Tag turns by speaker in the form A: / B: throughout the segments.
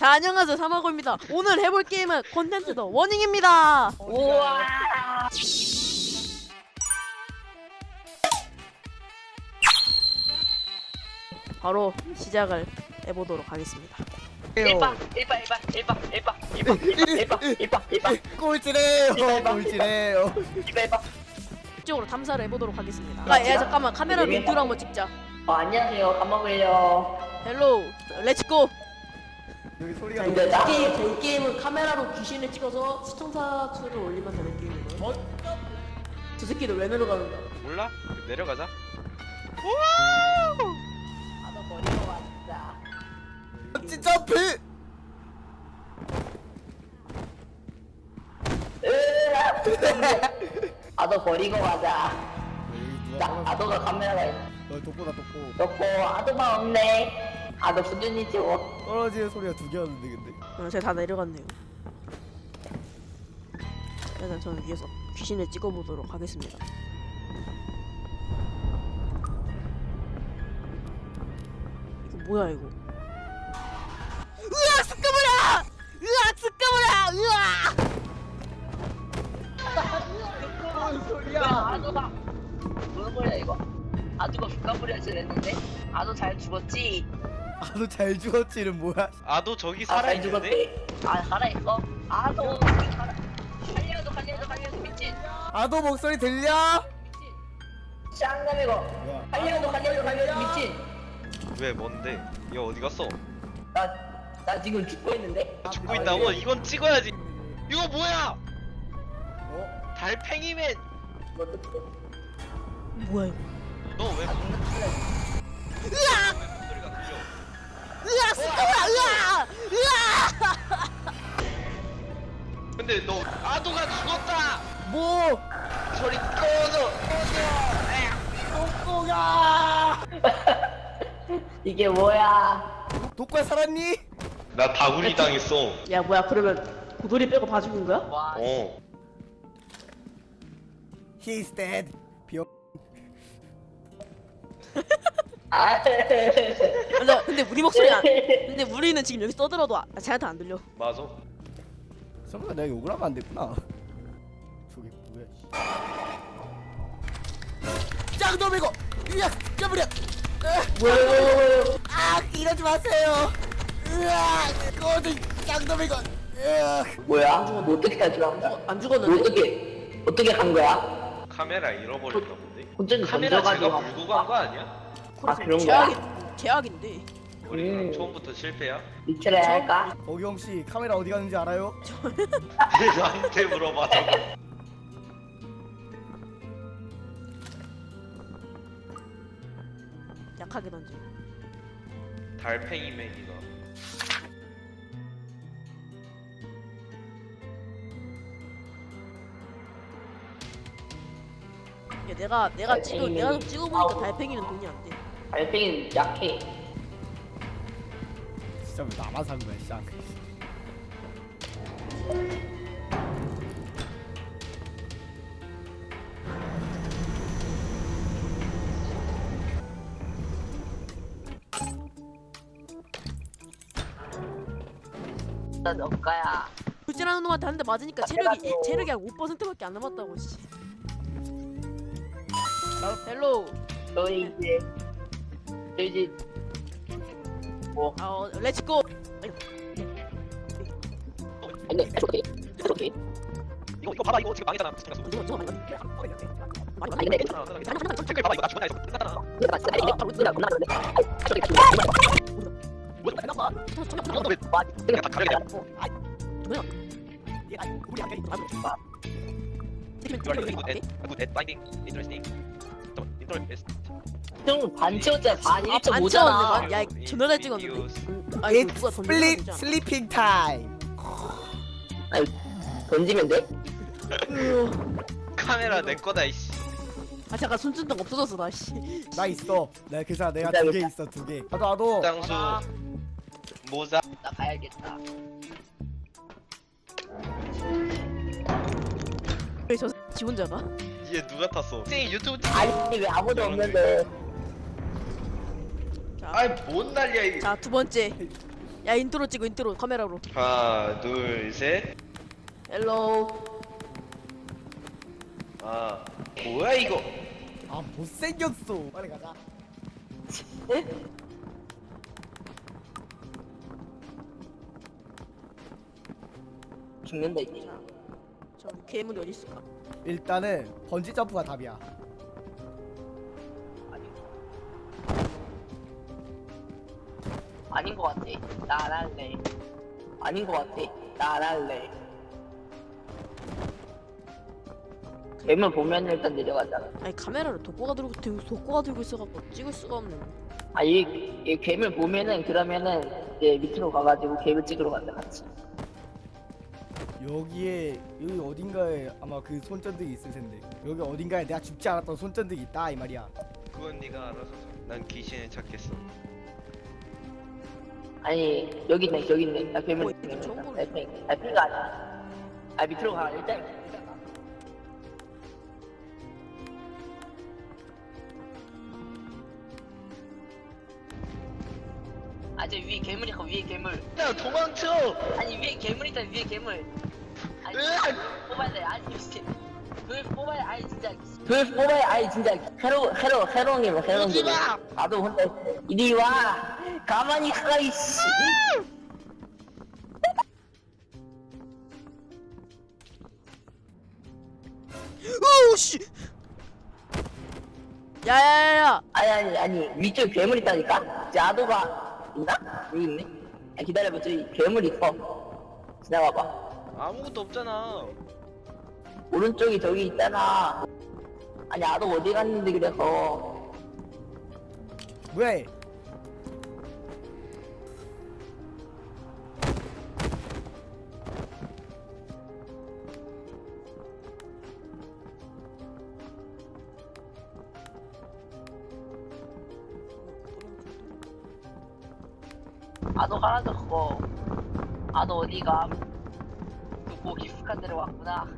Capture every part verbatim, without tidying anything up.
A: 자, 안녕하세요, 사마고입니다. 오늘 해볼 게임은 콘텐츠 더 워닝입니다.
B: 우와.
A: 바로 시작을 해보도록 하겠습니다.
B: 일박 일박 일박 일박 일박 일박 일박 일박 일박
C: 꼴찌래요 꼴찌래요.
B: 일박 일박.
A: 이쪽으로 탐사를 해보도록 하겠습니다. 아, 야, 잠깐만, 카메라 멘트로 한번 찍자.
B: 어, 안녕하세요. 감마고예요.
A: 헬로, 렛츠고.
C: 여기 소리가
B: 자, 이제 나
A: 게임, 이 게임은 카메라로 귀신을 찍어서 시청자 수를 올리면 되는 게임이고요. 저 새끼들 왜 내려가는 거야?
D: 몰라? 내려가자.
B: 아너 버리고 왔다.
C: 멋진 점프.
B: 아너 버리고 가자. 나 아도가 카메라가 있-
C: 어 독보다 독보.
B: 넣고 아도만 없네. 아도 수준이 지워.
C: 떨어지는 소리가 두 개였는데 근데.
A: 어, 제가 다 내려갔네요. 일단 저는 위에서 귀신을 찍어보도록 하겠습니다. 이거 뭐야 이거? 으악 스카브라! 으악 스카브라! 으악!
B: 뭔 소리야? 아도가 뭐야 이거? 아도가 죽가버려야지 했는데 아도 잘 죽었지?
C: 아너 잘 죽었지는 뭐야?
D: 아도 저기
B: 아, 잘
D: 살아있는데?
B: 죽었지? 아 살아있어? 아도 살아. 살려도 살려도 살려도 미친.
C: 아도 목소리 들려?
B: 쌍남이고
C: 뭐야?
B: 살려도 살려도 살려도 미친.
D: 왜 뭔데? 얘 어디 갔어?
B: 나, 나 지금 죽고 있는데?
D: 죽고 있다고? 이건 찍어야지. 이거 뭐야?
C: 어?
D: 달팽이맨.
B: 뭐 어떡해.
A: 뭐야 이거?
D: 너 왜?
A: 으악!
D: 소리가 들려?
A: 으악 스카브라! 으악! 으악!
D: 근데 너 아도가 죽었다.
C: 뭐?
D: 소리 꺼져.
B: 이게 뭐야?
C: 독과 살았니?
D: 나 다구리 당했어.
A: 야 뭐야 그러면 고돌이 빼고 봐 죽은 거야?
B: 와.
D: 어.
C: He's dead. 비어.
B: 아,
A: 근데, 근데 우리 목소리 안 근데 우리는 지금 여기 떠들어도 아, 쟤한테 안 들려.
D: 맞아.
C: 설마 내가 욕을 하면 안 됐구나. 저게 뭐야? 짱놈이고. 으악 깨버려.
B: 뭐야, 뭐야, 뭐야.
C: 아 이러지 마세요. 으악 거들 짱놈이고. 으악.
B: 뭐야? 뭐 어떻게 하지? 안
A: 안 죽었는데?
B: 어떻게, 어떻게 한 거야?
D: 카메라 잃어버렸나 본데?
B: 혼자
D: 카메라 제가
B: 던져가지고.
D: 물고 간 거 아니야?
B: 아, 그런
A: 제약이, 제약인데.
D: 우리 그럼
B: 음.
D: 처음부터 실패야?
B: 리트레 할까?
C: 어경 씨 카메라 어디 갔는지 알아요?
D: 나한테 물어봐. 저거.
A: 약하게 던져.
D: 달팽이맨이가.
A: 야, 내가 내가 찍어 내가 좀 찍어보니까 달팽이는 돈이 안 돼.
B: 달팽이는 약해.
C: 진짜 왜 나만 산 거야 쌍.
B: 나 너가야.
A: 불질하는 놈한테 한 대 맞으니까 체력이 일, 체력이 한 오 퍼센트밖에 안 남았다고 씨. 헬로.
B: 너 이제, 너 이제, 뭐,
A: 아, 어, 렛츠고.
B: 아니, 그렇게, 그렇게.
D: 이거 이거 봐봐 이거 지금 망했잖아.
A: 이거 이거 많이 많이
B: 아니, 근데,
D: 댓글 봐봐 이거 나 죽었다 했어. 끝났잖아.
B: 내가 진짜, 아니, 바로 누나, 누나, 그러는데. 저기,
D: 뭐야?
B: 해놨어.
D: 이거 왜?
B: 와,
D: 그냥 다 가려야 돼.
A: 뭐야?
C: 우리 안 돼.
D: You are really good at good at finding interesting. Interest.
B: 형, 반 채웠잖아. 반
A: 아,
B: 일 점
A: 반
B: 오잖아.
A: 채웠는데, 야, 존나 잘 찍었는데. 아, 이거 누가
C: It's
A: 던지는
C: split
A: 거잖아.
C: sleeping time.
B: 아니, 던지면 돼?
D: 카메라 내 거다 이씨.
A: 아 잠깐 손전등 없어졌어 나 씨.
C: 나 있어. 내가 그래서 내가
B: 진짜
C: 두 개
B: 있다.
C: 있어 두 개. 나도 나도.
D: 장수 모자.
B: 나 가야겠다.
A: 왜 저 지 혼자가?
D: 얘 누가 탔어? 쌩 유튜브 찍.
B: 아니, 왜 아무도 없는데.
A: 자,
D: 아이 뭔 난리야 이게.
A: 자 두 번째 야 인트로 찍어 인트로 카메라로.
D: 하나 둘셋.
A: 헬로.
D: 아 뭐야 이거.
C: 아 못생겼어. 빨리 가자.
A: 네?
B: 죽는다 이제.
A: 저 괴물이 어디 있을까?
C: 일단은 번지 점프가 답이야.
B: 아니. 아닌 것 같아. 나 안 할래. 아닌 것 같아. 나 안 할래. 괴물 보면 일단 내려가잖아.
A: 아니 카메라를 독고가 들고 들고 독고가 들고 있어갖고 찍을 수가 없네.
B: 아, 이, 이 괴물 보면은 그러면은 이제 밑으로 가가지고 괴물 찍으러 간다 같이.
C: 여기에 여기 어딘가에 아마 그 손전등이 있을 텐데. 여기 어딘가에 내가 죽지 않았던 손전등이 있다 이 말이야.
D: 그건 네가 알아서 줘. 난 귀신을 찾겠어.
B: 아니 여기 있네 여기 있네. 나 괴물
A: 어,
B: 있네.
A: 이거 처음 보네.
B: 달팽이 달팽이가 아니야. 아 밑으로 가 일단. 일단 가. 아 저 위에 괴물 있고 위에 괴물.
D: 야 도망쳐.
B: 아니 위에 괴물 있다 위에 괴물. 아니
D: 으악!
B: 뽑아야 돼. 아니 이렇게 그걸 뽑아야 아니 진짜 그걸 뽑아야 아니 진짜 해로 해로 해롱이로 해롱이.
D: 오지 마!
B: 나도 혼자 이리 와 가만히 가 이씨.
A: 오씨. 야야야야.
B: 아니 아니 아니 위쪽에 괴물 있다니까. 야도가 있나? 여기 있네. 아, 기다려봐 저기 괴물 있어. 지나가봐.
D: 아무것도 없잖아.
B: 오른쪽이 저기 있잖아. 아니 아도 어디 갔는데 그래서.
C: 왜?
B: 아도 가라졌고. 아도 어디가? 누구 깊숙한 데로 왔구나.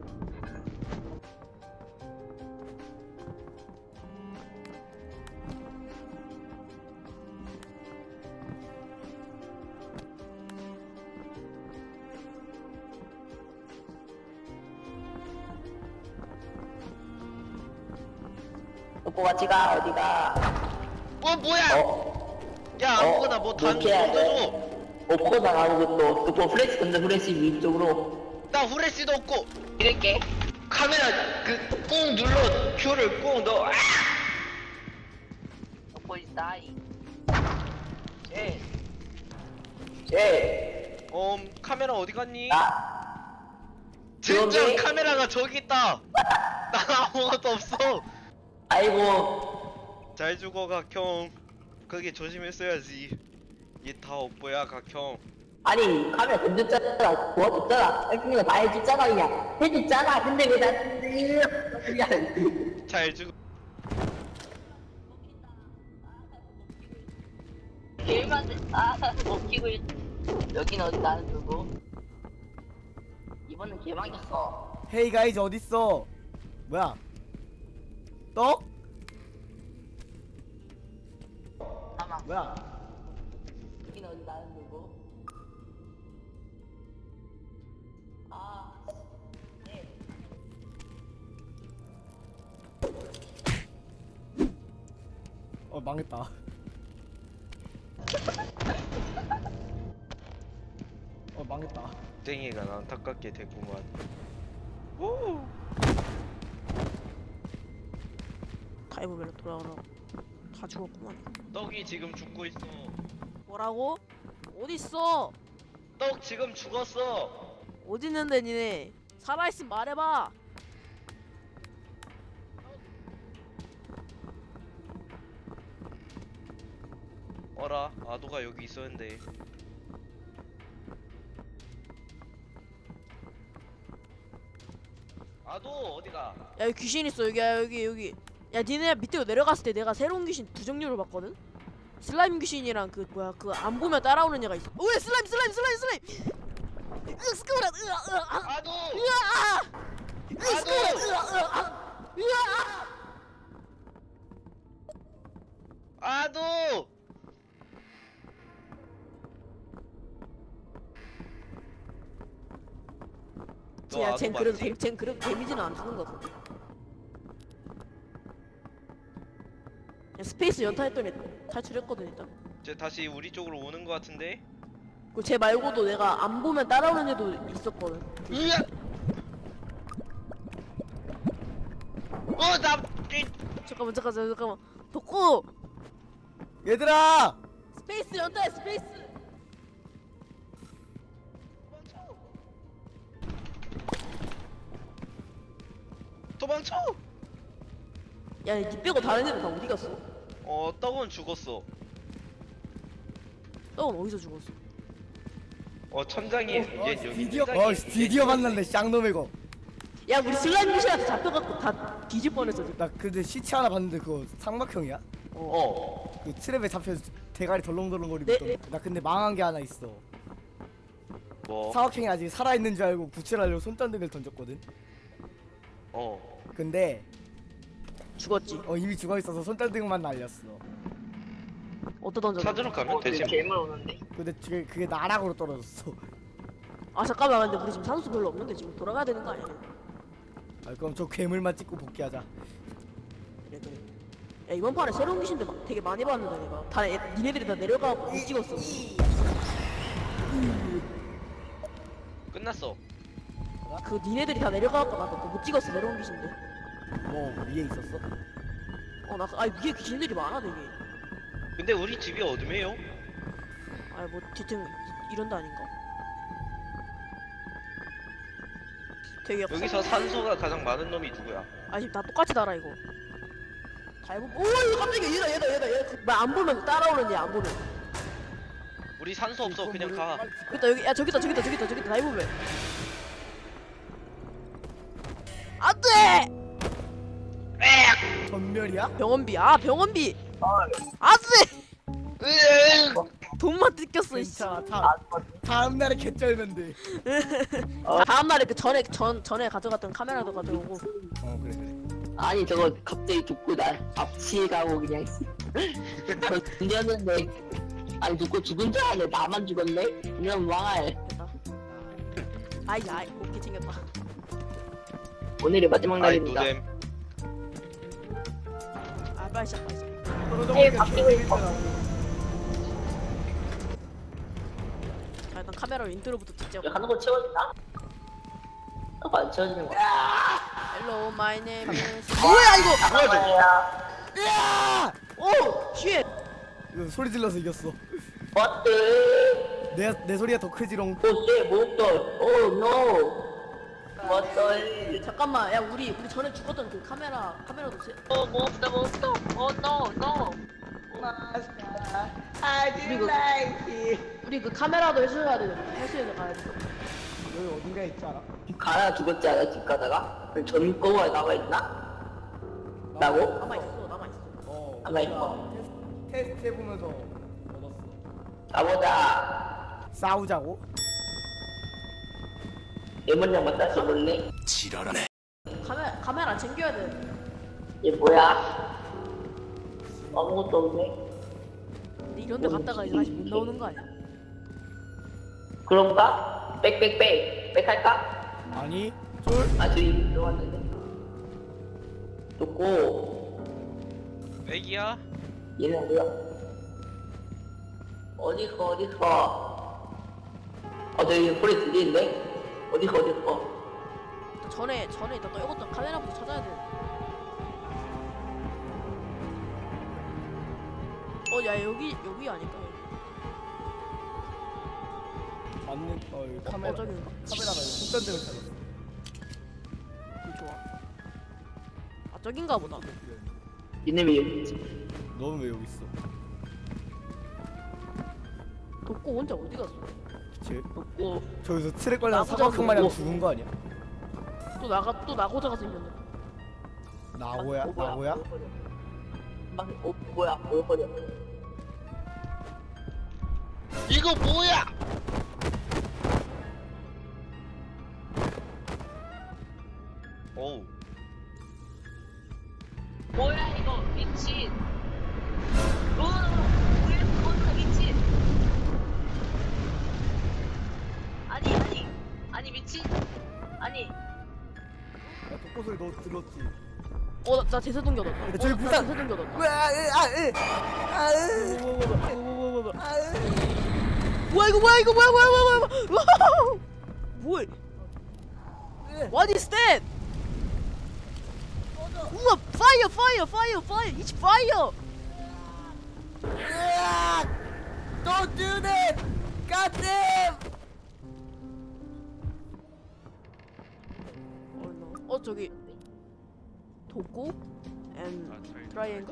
B: 누구 같이 가 어디가?
D: 어 뭐야?
B: 어?
D: 야 아무거나 뭐 단
B: 이렇게 해야
D: 던져줘.
B: 돼. 없고 나가는 것도 또 플래시 던져 플래시 위쪽으로
D: 나 후레쉬도 없고.
B: 이렇게
D: 카메라 그 꾹 눌러 큐를 꾹 넣어. 아!
B: 넣고 있다 이 쟤쟤
D: 음 카메라 어디 갔니?
B: 나
D: 진짜
B: 여기?
D: 카메라가 저기 있다. 나 아무것도 없어.
B: 아이고
D: 잘 죽어 각형. 그게 조심했어야지. 얘 다 업보야 각형.
B: 아니 카메라 던졌잖아 도와줬잖아 땡땡이가 다 해줬잖아 그냥 해줬잖아 근데 왜 나한테
D: 잘 죽어.
B: 게임한테 아 웃기고 있... 여긴 어디 나는 누구 이번엔 개망이었어
C: 헤이 가이즈 어딨어? 뭐야? 떡?
B: 잠깐만
C: 뭐야?
B: 여긴 어디 나는 누구 아 네.
C: 어 망했다. 어 망했다.
D: 땡이가 난 안타깝게 됐구만. 오.
A: 다이브벨로 돌아오라고. 다 죽었구만.
D: 떡이 지금 죽고 있어.
A: 뭐라고? 어디 있어?
D: 떡 지금 죽었어.
A: 어디 있는데 니네? 살아있으면 말해봐.
D: 어라 아도가 여기 있었는데. 아도 어디가?
A: 야 여기 귀신 있어. 여기 야 여기 여기. 야 니네 밑으로 내려갔을 때 내가 새로운 귀신 두 종류를 봤거든. 슬라임 귀신이랑 그 뭐야 그 안 보면 따라오는 애가 있어. 왜 슬라임 슬라임 슬라임 슬라임. 으 스크브라 으아 으아
D: 아도.
A: 으아 으 스크브라 으아 으아 으아.
D: 아도. 너
A: 야,
D: 아도
A: 쟨 그래도
D: 맞지?
A: 데- 쟨 그래도 데미지는 안 주는 거 같은데. 야, 스페이스 연타했더니 탈출했거든 일단.
D: 쟤 다시 우리 쪽으로 오는 거 같은데?
A: 그쟤 말고도 내가 안 보면 따라오는 애도 있었거든.
D: 으악! 어, 나
A: 잠깐만 잠깐만 잠깐만. 덕구
C: 얘들아!
A: 스페이스 연타해 스페이스.
D: 도망쳐!
A: 야, 니 빼고 다른 애들 다 어디 갔어?
D: 어, 떡은 죽었어.
A: 떡은 어디서 죽었어?
D: 어, 천장이 얘
C: 어,
D: 여기
C: 드디어
D: 천장이
C: 어 드디어 만났네 쌍놈 이거.
A: 야, 우리 슬라임 귀신한테 잡혀갖고 다 뒤질 뻔했어 지금.
C: 나 근데 시체 하나 봤는데 그거 삼각형이야?
D: 어.
C: 그 트랩에 잡혀서 대가리 덜렁덜렁거리고
A: 네.
C: 있던데. 나 근데 망한 게 하나 있어.
D: 뭐?
C: 사각형이 아직 살아있는 줄 알고 구출하려고 손전등을 던졌거든.
D: 어.
C: 근데
A: 죽었지.
C: 어 이미 죽어있어서 손전등만 날렸어.
A: 어디다 던져?
D: 찾으러 가면
B: 어,
D: 되지.
B: 근데 괴물 오는데.
C: 근데 그게, 그게 나락으로 떨어졌어.
A: 아 잠깐만, 근데 우리 지금 산소 별로 없는데 지금 돌아가야 되는 거 아니야?
C: 아 그럼 저 괴물만 찍고 복귀하자.
A: 그래 그래. 야, 이번 판에 새로운 귀신들 막 되게 많이 봤는데 내가 다 애, 니네들이 다 내려가고 못 찍었어.
D: 끝났어.
A: 그 니네들이 다 내려가고 나도 그거 못 찍었어 새로운 귀신들.
C: 뭐 위에 있었어?
A: 어나 아 위에 귀신들이 많아 되게.
D: 근데 우리 집이 어둠해요?
A: 아뭐 뒤통 이- 이런 데 아닌가? 되게
D: 여기서 산소가 가장 많은 놈이 누구야?
A: 아 지금 다 똑같이 달아 이거. 다 해보. 오 이거 깜짝이야 얘다 얘다 얘다 얘다. 나안 보면 따라오는 얘안 보면.
D: 우리 산소 없어. 그냥 가.
A: 여기다 여기 야 저기다 저기다 저기다 저기다 다 해보면. 안돼.
C: 전멸이야?
A: 병원비 아 병원비. 안돼. 돈만 뜯겼어 이씨.
C: 괜찮아. 다, 다음 날에 개쩔면 돼.
A: 다음 날에 그 전에 전 전에 가져갔던 카메라도 가져오고.
C: 어 그래 그래.
B: 아니 저거 갑자기 죽고 날 앞치가고 그냥 던졌는데 아니 누구 죽은 줄 알았네. 나만 죽었네. 이런 망할.
A: 됐다. 아이 아이 곱게 챙겼다.
B: 오늘이 마지막
D: 아이
B: 날입니다.
D: 노잼.
A: 아 빨리 시작 빨리 시작.
C: 떨어져
B: 제일
C: 보니까
B: 바뀌고 있어.
C: 개재밌더라고.
A: 자 일단 카메라로 인트로부터 찍자.
B: 이거 하는 거 채워진다? 어, 안 채워지는 거야.
A: Hello, my name is. 뭐야 이거?
D: 뭐야 저거?
C: 야!
A: 오, 쉣.
C: 이거 소리 질러서 이겼어.
B: What the?
C: 내 내 소리가 더 크지롱.
B: Oh shit, moved on. Oh no. What the?
A: 잠깐만, 야 우리 우리 전에 죽었던 그 카메라 카메라도 세.
B: Oh, moved on, moved on. Oh no, no.
C: I
A: didn't like it. 우리 그 카메라도 해줘야 돼. 해수에서 가야 돼.
C: 여기 어딘가에 있지 않아?
B: 가나 죽었지 않아 집 가다가? 그럼 전 거가 남아 있나? 라고?
A: 남아 있어, 남아 있어.
C: 어.
B: 아마 이거.
C: 테스트, 테스트 해보면서 얻었어.
B: 가보자.
C: 싸우자고?
B: 레몬장만 따서 볼래?
A: 카메라 카메라 챙겨야 돼.
B: 얘 뭐야? 아무것도 없네.
A: 근데 이런데 갔다가 이제 다시 못 나오는 거 아니야?
B: 그런가? 빽빽빽. 빽 할까?
C: 아니. 쫄.
B: 아 저기 들어왔는데. 좋고.
D: 애기야?
B: 얘는 뭐야? 어디 가 어디 가? 어 저기 소리 들리는데? 어디 가 어디 가?
A: 또 전에 전에 있던 떨궜던 카메라부터 찾아야 돼. 어, 야 여기 여기 아닐까? 여기.
C: 맞는 어 여기 카메라.
A: 어, 저기인가?
C: 카메라가 여기 손전등을 찾았어.
A: 여기 좋아. 아 저긴가 보다.
B: 얘네 왜 여기 있지?
C: 너는 왜 여기 있어?
A: 덕구 혼자 어디 갔어?
C: 쟤
B: 없고
C: 저기서 트랙 걸려서
A: 나보다
C: 사각형 마냥
B: 뭐-
C: 죽은 거 아니야?
A: 또 나가 또 나고자가 생겼네.
C: 나고야? 나고야?
B: 막 어, 뭐야? 뭘 거려?
D: 이거 뭐야? 어우.
B: 뭐야 이거 미친. 오, 뭐야 이거 미친. 아니 아니 아니 미친. 아니
C: 너 들었지?
A: 어, 나, 나 제세동기 얻었다. 어,
C: 저기
A: 나
C: 부산.
A: 제세동기 얻었다. 뭐야 이거 뭐야 이거 뭐야 뭐야 뭐야 뭐야 뭐야 What is that? 우와 fire fire fire fire it's fire.
C: Don't do that! God damn!
A: Oh no. 어 저기 도구 and triangle?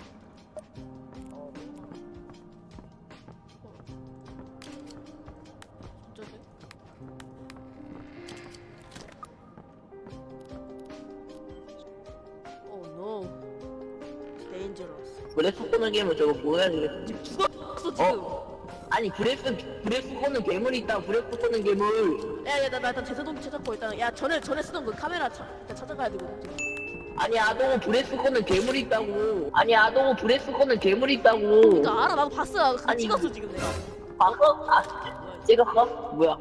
A: 진짜네? Oh no. Dangerous.
B: 브레스 쏘는 괴물 저거 뭐야 지금?
A: 지금 죽었어 지금.
B: 어? 아니 브레스 브레스 쏘는 괴물이 있다. 브레스 쏘는 괴물.
A: 야야 나 나 일단 제세동기 찾았고 일단 야 전에 전에 쓰던 그 카메라 차, 일단 찾아가야 되거든 지금.
B: 아니 아동은 브레스 쏘는 괴물이 있다고. 아니 아동은 브레스 쏘는 괴물이 있다고.
A: 그러니까 알아 나도 봤어. 그거
B: 아니,
A: 찍었어 지금 내가.
B: 봤어? 아 찍었어? 뭐야?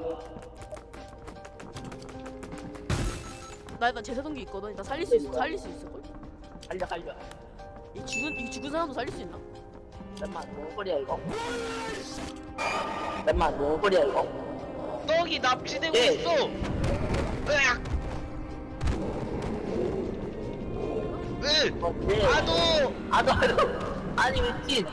A: 나 일단 제세동기 있거든. 일단 살릴 수 있어. 살릴 수 있을 걸?
B: 살려 살려.
A: 이 죽은 이 죽은 사람도 살릴 수 있나?
B: 잠깐만 뭔 소리야 이거? 잠깐만 뭔 소리야 이거?
D: 떡이 납치되고
B: 예.
D: 있어. 으악. 으.
B: 어, 네.
D: 아도.
B: 아도 아도. 아니 미친.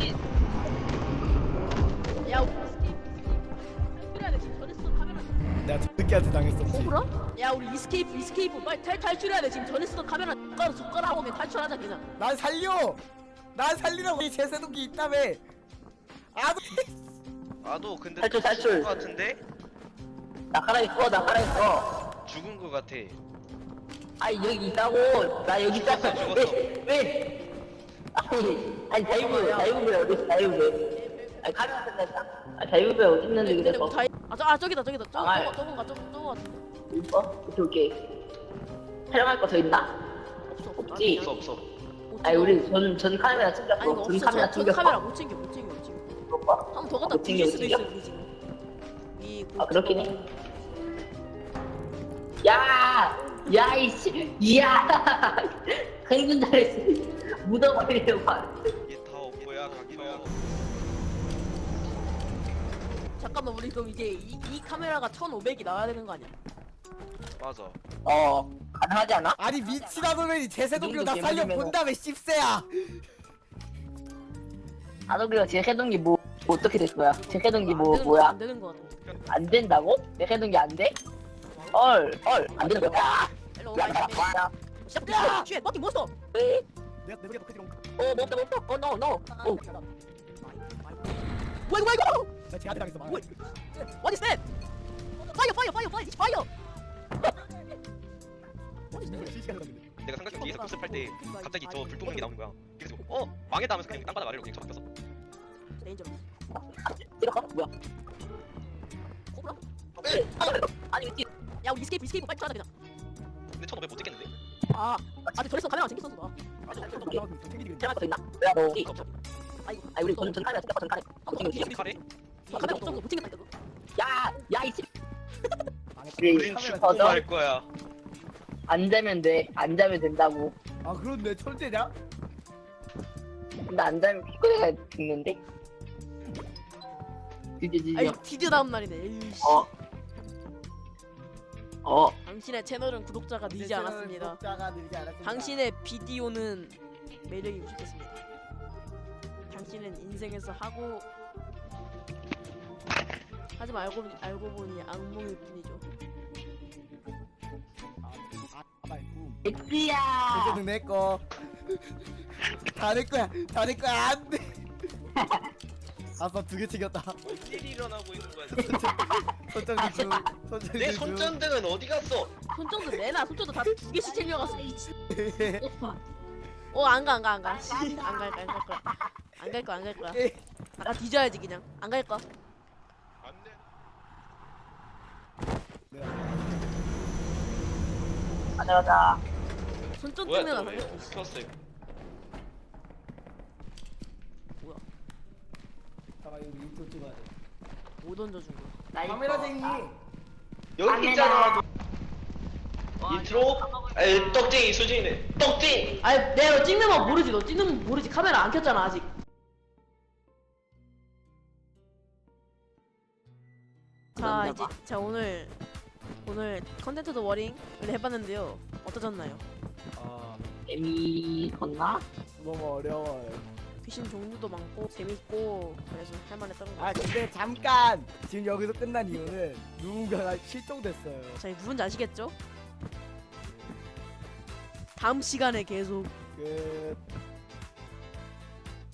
A: 야, 우리 스케이프 탈출해야 돼. 지금 전에 쓰던 카메라.
C: 내가 저 새끼한테 당했었지.
A: 호불아? 야, 우리 이스케이프, 이스케이프 빨리 탈 탈출해야 돼. 지금 전에 쓰던 카메라 젓가락 젓가락하고 그냥 탈출하자 그냥.
C: 난 살려! 난 살리라고 이 제세동기 있다며! 아도
D: 아도 근데
B: 탈출,
D: 또
B: 탈출.
D: 죽은 거 같은데?
B: 나가라 있어 나가라 있어.
D: 죽은 거 같아.
B: 아니 여기 있다고. 나 여기 있다고.
D: 죽었어, 죽었어.
B: 왜? 왜? 아니 아니 자유부 자유부배 어디 있어 자유부배? 아니 카메라 끝냈다. 아 자유부배 어디 있는데
A: 근데
B: 그래서?
A: 뭐 다이 아, 저, 아 저기다 저기다. 저거
B: 아,
A: 저거 저거가 저거 저거 같은데.
B: 있어? 오케이 오케이. 촬영할 거 더 있나?
A: 없어 없어.
B: 없지?
D: 없어 없어.
A: 못
B: 아니
A: 찍어.
B: 우리 전 전 카메라
A: 아니
B: 챙겼어.
A: 이거
B: 전
A: 없어.
B: 카메라
A: 저, 저
B: 챙겼어.
A: 카메라 못 챙겨 못 챙겨 못 챙겨.
B: 이거 봐.
A: 한 번 더 갖다
B: 못 챙겨,
A: 부실
B: 못
A: 수도
B: 챙겨?
A: 있어 우리 지금. 이
B: 아 그렇긴 해. 야, 야 이씨, 야, 행군 잘했어. 묻어버리려고.
D: 얘 다 업보야 각형.
A: 잠깐만 우리 그럼 이제 이, 이 카메라가 천오백이 나와야 되는 거 아니야?
D: 맞아.
B: 어, 가능하지 않아?
C: 아니 미치다 보면 제세동기로 나
B: 이 정도
C: 살려
B: 개물이면은-
C: 본다며 씹새야!
B: 아너그가 제 해동기 뭐, 뭐 어떻게 될 거야? 제 해동기
A: 안
B: 뭐
A: 되는 거-
B: 뭐야?
A: 안 되는 거 같아.
B: 안 된다고? 제 해동기 안 돼? 헐, 헐, 안 되는 거야.
A: 일로
B: 야,
A: 와.
B: 야, 야, 야,
A: 시작. 쥐 머티 몬스터.
B: 왜?
C: 내가 내가 그때
B: 어, 먹다 먹다. 어, no, no. 어,
A: 뭐야 이거 이거?
C: 나 쟤한테 당했어 막.
A: 뭐야? What is that? Fire fire fire fire. It's fire.
C: 실시간으로 당했네.
D: 내가 삼각형 뒤에서 급습할 때 갑자기 저 불똥능이 나오는 거야. 그래서 어 망했다 하면서 그냥 땅바닥 아래로 그냥 쳐박혔어.
A: 데인저러스.
B: 찍었어? 뭐야?
A: 코브라?
B: 아니, 미친.
A: 야 우리 이스케이프 이스케이프 빨리 찾아 그냥.
D: 근데 천오백 못 찍겠는데?
A: 아 아직 저랬어 카메라 챙겼었어 나.
B: 오케이.
C: 챙기지
B: 촬영할 거 있나? 야, 너.
A: 없어 없어. 아이고.
B: 아니, 우리 전, 전 카메라 찍었어, 전 카메라. 아, 못 챙겼지?
D: 이 카레?
A: 아, 카메라 없어 못 챙겼다 이거.
B: 야, 야, 이씨.
D: 우린 죽고 말 거야.
B: 안 자면 돼. 안 자면 된다고.
C: 아 그런데 천재냐?
B: 근데 안 자면 피곤해가 죽는데? 드디어 드디어.
A: 아이 드디어 다음 날이네. 에이씨.
B: 어. 어.
A: 당신의 채널은 구독자가 늘지 않았습니다.
C: 구독자가 늘지 않았습니다.
A: 당신의 비디오는 매력이 부족했습니다. 당신은 인생에서 하고 하지 말고 알고 보니 악몽일 뿐이죠.
C: 아, 말고.
B: 엑스야.
C: 제세동 내 거. 다 내 거야. 다 내 거야. 안 돼. 아빠 두 개 챙겼다.
D: 일이 일어나고 있는 거야.
C: 손전등 중. 손전등
D: 내
C: 중.
D: 손전등은 어디 갔어?
A: 손정도 내놔. 손정도 다 두 개씩 챙겨갔어. 어안 가 안 가 안 가. 안 갈 거야 안 갈 거야. 안 갈 거야 안 갈 거야. 나 뒤져야지 그냥. 안 갈 거야.
D: 안돼.
B: 가자 가자.
A: 손정
D: 뭐야?
A: 찍는
D: 또
A: 거
D: 왜?
A: 살렸어.
D: 켰어.
A: 뭐야?
C: 잠깐 여기 인트 찍어야 돼.
A: 뭐 던져준 거야?
B: 나 이거.
C: 카메라쟁이.
D: 여기
B: 카메라.
D: 있잖아. 너. 인트로 에 떡쟁이 수진이네 떡쟁이.
A: 아니 내가 너 찍는 거 모르지. 너 찍는 거 모르지. 카메라 안 켰잖아 아직. 자 이제 자 오늘 오늘 컨텐츠 더 워링을 해봤는데요. 어떠셨나요?
C: 아
B: 재미있었나?
C: 너무 어려워요.
A: 귀신 종류도 많고 재밌고 그래서 할만했던 거.
C: 아 근데 잠깐 지금 여기서 끝난 이유는 누군가가 실종됐어요.
A: 자 누군지 아시겠죠? 다음 시간에 계속
C: 끝.